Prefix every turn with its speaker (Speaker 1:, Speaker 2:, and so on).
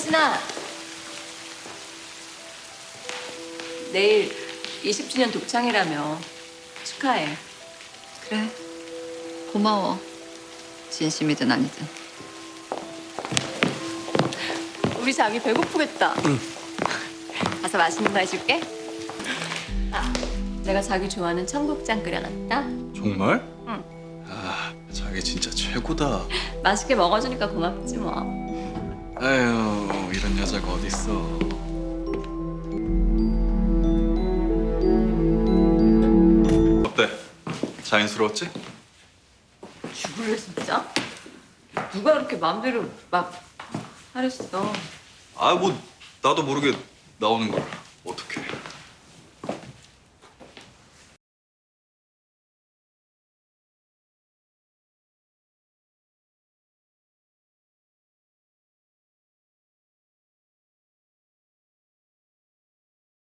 Speaker 1: 혜진아, 내일 20주년 독창이라며 축하해.
Speaker 2: 그래. 고마워. 진심이든 아니든.
Speaker 1: 우리 자기 배고프겠다.
Speaker 3: 응.
Speaker 1: 가서 맛있는 거 해줄게. 아, 내가 자기 좋아하는 청국장 끓여놨다.
Speaker 3: 정말?
Speaker 1: 응.
Speaker 3: 아, 자기 진짜 최고다.
Speaker 1: 맛있게 먹어주니까 고맙지 뭐.
Speaker 3: 아유, 이런 여자가 어딨어. 어때? 자연스러웠지?
Speaker 1: 죽을래 진짜? 누가 그렇게 마음대로 막 하랬어.
Speaker 3: 아, 뭐 나도 모르게 나오는 걸 어떡해.